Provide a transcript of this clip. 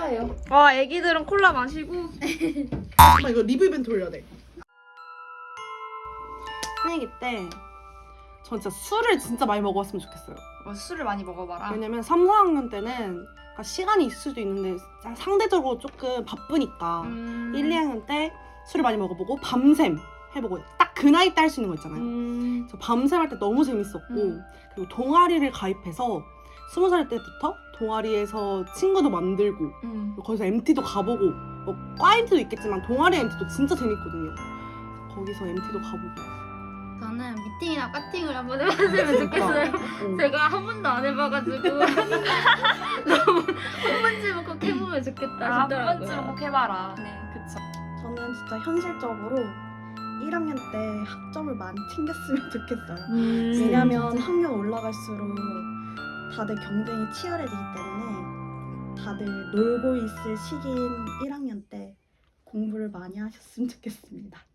콜라예요. 와, 애기들은 콜라 마시고. 잠깐만 이거 리뷰 이벤트 올려야 돼. 새내기 때 전 진짜 술을 진짜 많이 먹어봤으면 좋겠어요. 술을 많이 먹어봐라. 왜냐면 3, 4학년 때는 그러니까 시간이 있을 수도 있는데 상대적으로 조금 바쁘니까 1, 2학년 때 술을 많이 먹어보고 밤샘 해보고 딱 그 나이 때 할 수 있는 거 있잖아요. 저 밤샘 할 때 너무 재밌었고 그리고 동아리를 가입해서 20살 때부터 동아리에서 친구도 만들고 거기서 MT도 가보고 뭐 과 MT도 있겠지만 동아리 MT도 진짜 재밌거든요. 거기서 MT도 가보고 저는 미팅이나 파팅을 한번 해봤으면 좋겠어요. 제가 한 번도 안 해봐가지고 너무 한 번쯤은 꼭 해보면 좋겠다 한 싶더라고요. 번쯤 꼭 해봐라. 네. 그쵸. 저는 진짜 현실적으로 1학년 때 학점을 많이 챙겼으면 좋겠어요. 왜냐면 학년 올라갈수록 다들 경쟁이 치열해지기 때문에 다들 놀고 있을 시기인 1학년 때 공부를 많이 하셨으면 좋겠습니다.